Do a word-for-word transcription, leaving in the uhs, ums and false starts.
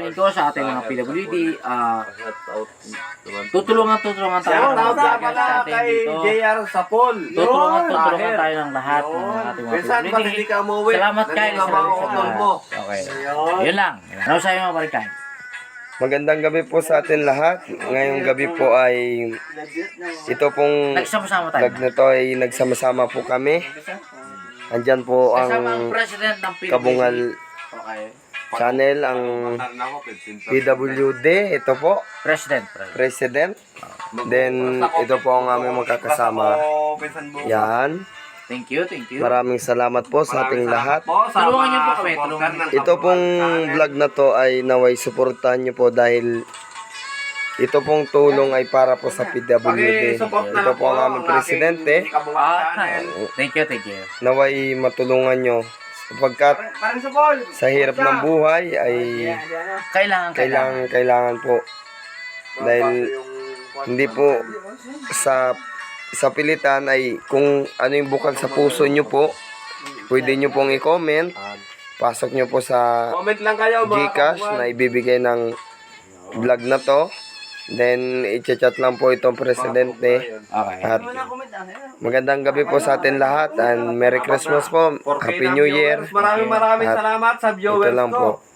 namin to sa ating mga P W D. Ah, tutulungan, tutulungan tayo ng mga Shoutout nga vloggers pala natin kay dito. J R Sapol. Tutulungan, Yun. tutulungan Tahir. tayo ng lahat ng ating mga Minsan P ba't W D. hindi ka umuwi? Salamat Kyle, Nandun ang mga salamat sa utol lahat. mo. Okay. Ayun. Yun lang. Ano sa'yo mga pare Kyle? Magandang gabi po sa atin lahat. Ngayong gabi po ay ito pong Nagsama-sama tayo. vlog na to ay nagsama-sama po kami. Andyan po Kasama ang ang president ng P W D. Kabungal Okay. channel, ang P W D. Ito po, President. President. President. Then, ito po ang aming magkakasama. Yan. Thank you, thank you. Maraming salamat po sa ating lahat. Tulungan niyo po kami, tulungan niyo. Ito pong vlog na to ay naway suportahan nyo po dahil ito pong tulong ay para po sa P W D. Ito po ang aming presidente. Ah, thank you, thank you. Naway matulungan nyo sapagkat sa hirap ng buhay ay Kailangan, kailangan. kailangan kailangan po dahil hindi po sa sa pilitan ay kung ano yung bukal sa puso nyo po, pwede nyo pong i-comment, pasok nyo po sa Comment lang kayo mga Gcash kabuan. na ibibigay ng vlog na to. Then, i-chat lang po itong presidente. Okay. At magandang gabi po sa atin lahat and Merry Christmas po. Happy New Year. Maraming maraming At salamat sa ito viewers lang ko. po.